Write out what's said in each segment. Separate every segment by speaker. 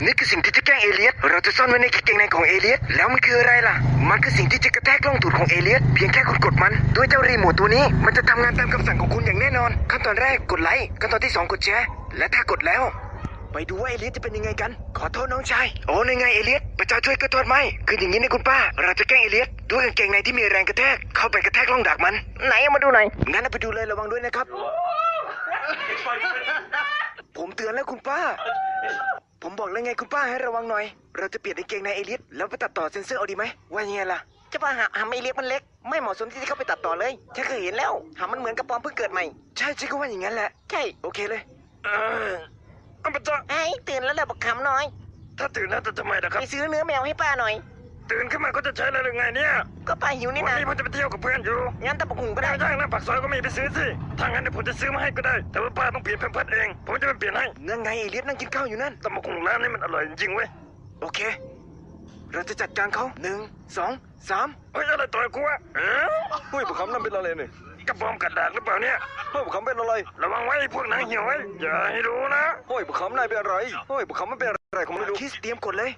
Speaker 1: นี่คือสิ่งที่จะแกล้งเอเลียสเราจะซ่อนไว้ในกางเกงในของเอเลียสแล้วมันคืออะไรล่ะมันคือสิ่งที่จะกระแทกล่องตูดของเอเลียสเพียงแค่คุณกดมันด้วยเจ้ารีโมทตัวนี้มันจะทำงานตามคำสั่งของคุณอย่างแน่นอนขั้นตอนแรกกดไลค์ขั้นตอนที่2กดแชร์และถ้ากดแล้วไปดูว่าเอเลียสจะเป็นยังไงกันขอโทษน้องชายโอ้ในไงเอเลียสพระเจ้าช่วยก็โทษไม่คืออย่างนี้นะคุณป้าเราจะแกล้งเอเลียสด้วยกางเกงในที่มีแรงกระแทกเข้าไปกระแทกล่องดักมันไหนเอามาดูหน่อยงั้นไปดูเลยระวังด้วยนะครับผมเตือนแล้วคุณป้าผมบอกแล้วไงคุณป้าให้ระวังหน่อยเราจะเปลี่ยนกางเกงในเอเลียสแล้วไปตัดต่อเซ็นเซอร์เอาดีไหมว่ายังไงล่ะจะป้าหำเอเลียสมันเล็กไม่เหมาะสมที่จะเข้าไปตัดต่อเลยฉันเคยเห็นแล้วหำมันเหมือนกระป๋อมเพิ่งเกิดใหม่ใช่ฉันก็ว่าอย่างนั้นแหละใช่โอเคเลยอัปะไอ้ตื่นแล้วแหละบักขำน้อยถ้าตื่นแล้วจะทำไมล่ะครับไปซื้อเนื้อแมวให้ป้าหน่อยตื่นขึ้นมาก็จะใช้อะไรหรือไงเนี่ยก็ป้าหิวนี่นะวันนี้ผมจะไปเที่ยวกับเพื่อนอยู่งั้นตะบักหุ่งก็ได้ย่างนะปากซอยก็มีไปซื้อสิถ้างั้นเดี๋ยวผมจะซื้อมาให้ก็ได้แต่ว่าป้าต้องเปลี่ยนแพมเพิร์สเองผมจะไปเปลี่ยนให้นั่นไงเอเลียสนั่งกินข้าวอยู่นั่นตะบักหุ่งร้านนี้มันอร่อยจริงๆเว้ยโอเคเราจะจัดการเขา1 2 3เฮ้ยอะไรต่อยกูอะ
Speaker 2: เฮ้ยผมคำนั่นเป็นอะไรเนี่ย
Speaker 1: กระบอมกระดาษหรือเปล่าเนี่ย
Speaker 2: เฮ้ยผมคำเป็นอะไร
Speaker 1: ระวังไว้พวกนางเหี่ยวไว้อย่าให้รู้นะ
Speaker 2: เฮ้ยผมคำนายเป็นอะไรเฮ้ยผมคำมันเป็นอะไรผมไม่รู้
Speaker 1: คิสเตรียมกดเลย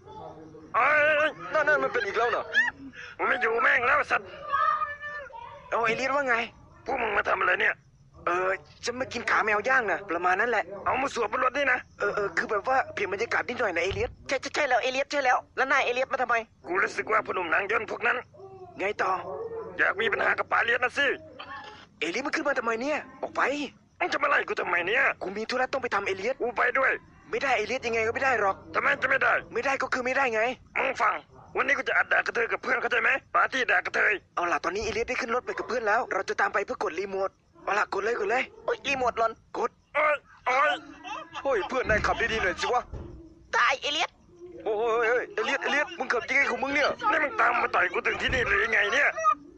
Speaker 2: นั่นมันเป็นอีกแล้วนะ
Speaker 1: ผมไม่อยู่แม่งแล้วสัตว์เอาไอเลียนว่าไงพวกมึงมาทำอะไรเนี่ยจะมากินขาแมวย่างนะประมาณนั้นแหละเอามาสวมบนรถนี่นะคือแบบว่าเปลี่ยนบรรยากาศนิดหน่อยนะเอเลียสใช่แล้วเอเลียสใช่แล้วแล้วนายเอเลียสมาทำไมกูรู้สึกว่าพนุ่มหนังย่นพวกนั้นไงต่ออยากมีปัญหากับปาเลียสนะสิเอเลียสมันขึ้นมาทำไมเนี่ยออกไปมึงจะมาไล่กูทำไมเนี่ยกูมีธุระต้องไปทำเอเลียสกูไปด้วยไม่ได้เอเลียสยังไงก็ไม่ได้หรอกทำไมจะไม่ได้ก็คือไม่ได้ไงมึงฟังวันนี้กูจะอัดด่ากระเทยกับเพื่อนเข้าใจไหมปาร์ตี้ด่ากระเทยเอาล่ะตอนนี้เอเลียสได้ขึ้นรถไปกับเพื่อนแล้วเราจะตามไปเพื่อกดรีโมทเอาล่ะกดเลยโอ้ยรีโมทหล่นกด
Speaker 2: เฮ้ยเพื่อนนายขับดีๆหน่อยสิวะ
Speaker 1: ตายเอเลียส
Speaker 2: โอ้ยเอเลียสมึงขับยังไงของมึงเนี่ย
Speaker 1: นี่มึงตามมาต่อยกูถึงที่นี่หรือยังไงเนี่ย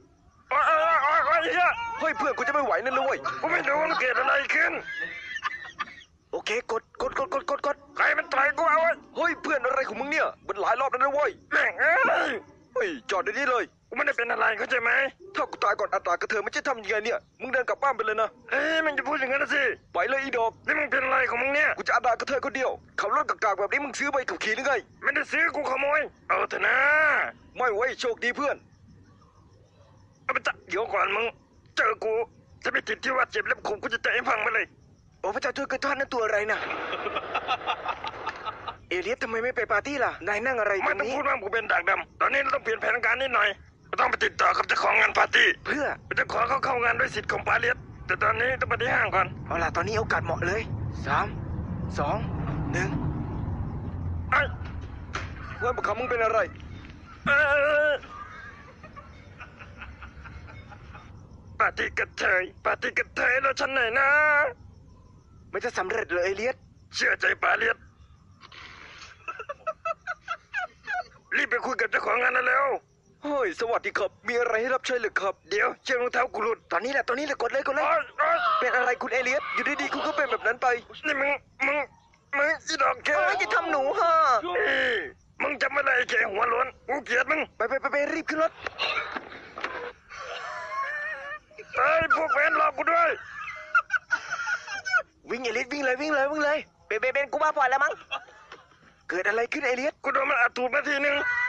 Speaker 2: เฮ้ยเพื่อนกูจะไม่ไหวนั่นเลยเว้ย
Speaker 1: กูไม่รู้มันเกิดอะไรขึ้นโอเคกดใครมันต่อยกูเอาไว้
Speaker 2: เฮ้ยเพื่อนอะไรของมึงเนี่ยมันหลายรอบแล้วนะเว้ย
Speaker 1: แม่ง
Speaker 2: เฮ้ยจอดเดี๋ยวนี้เลย
Speaker 1: กูไม่ได้เป็นอะไรเข้าใจไหม
Speaker 2: ถ้ากูตายก่อนอัตรากระเทยไม่ใช่ทำยังไงเนี่ยมึงเดินกลับบ้านไปเลยนะ
Speaker 1: มันจะพูดอย่างนั้นสิ
Speaker 2: ไปเลยอีดอก
Speaker 1: นี่มึงเป็นอะไรของมึงเนี่ย
Speaker 2: กูจะอัตรากระเทยคนเดียวขับรถกากๆแบบนี้มึงซื้อไปขับขี่หรือไง
Speaker 1: ไม่ได้ซื้อกูขโมยเอาเถอะนะ
Speaker 2: ไม่ไว้โชคดีเพื่อน
Speaker 1: เอาไปจับเดี๋ยวก่อนมึงเจอกูจะไปติดที่ว่าเจ็บแล้วกูจะเตะให้พังไปเลยโอ้พระเจ้าช่วยกระท่อนนั่นตัวอะไรน่ะเอเลียสทำไมไม่ไปปาร์ตี้ล่ะนายนั่งอะไรตรงนี้ไม่ต้องพูดว่ากูเป็นดากดำตอนนี้เราต้องเปลี่ยนแผนการนิดหน่อยเราต้องไปติดต่อกับเจ้าของงานปาร์ตี้เพื่อจะขอเขาเข้างานด้วยสิทธิ์ของปาเลียสแต่ตอนนี้ต้องไปที่ห้างก่อนเอาล่ะตอนนี้โอกาสเหมาะเลย3 2 1
Speaker 2: เฮ้ยบุคคลมึงเป็นอะไร
Speaker 1: ปาร์ตี้กระเทยแล้วฉันไหนนะไม่จะสำเร็จเลยเอเลียสเชื่อใจปาเลียสรีบไปคุยกับเจ้าของงานนั่นแล้ว
Speaker 2: เฮ้ยสวัสดีครับมีอะไรให้รับใช้หรือครับ
Speaker 1: เดี๋ยวเชือกรองเท้ากูหลุดตอนนี้แหละกดเลย
Speaker 2: เป็นอะไรคุณเอเลียสอยู่ดีๆคุณก็เป็นแบบนั้นไป
Speaker 1: นี่มึงอีดอกแก
Speaker 2: จะทำหนูฮะ
Speaker 1: มึงจำไม่ได้แกหัวล้นกูเกลียดมึง
Speaker 2: ไปรีบขึ้นรถ
Speaker 1: พวกแฟนรอกูด้วย
Speaker 2: วิ่งเอเลียสวิ่งเลย
Speaker 1: เบนกูมาปล่อยแล้วมั้ง
Speaker 2: เกิดอะไรขึ้นเอเลียส
Speaker 1: กูโดนมันอัดตูดมาทีนึง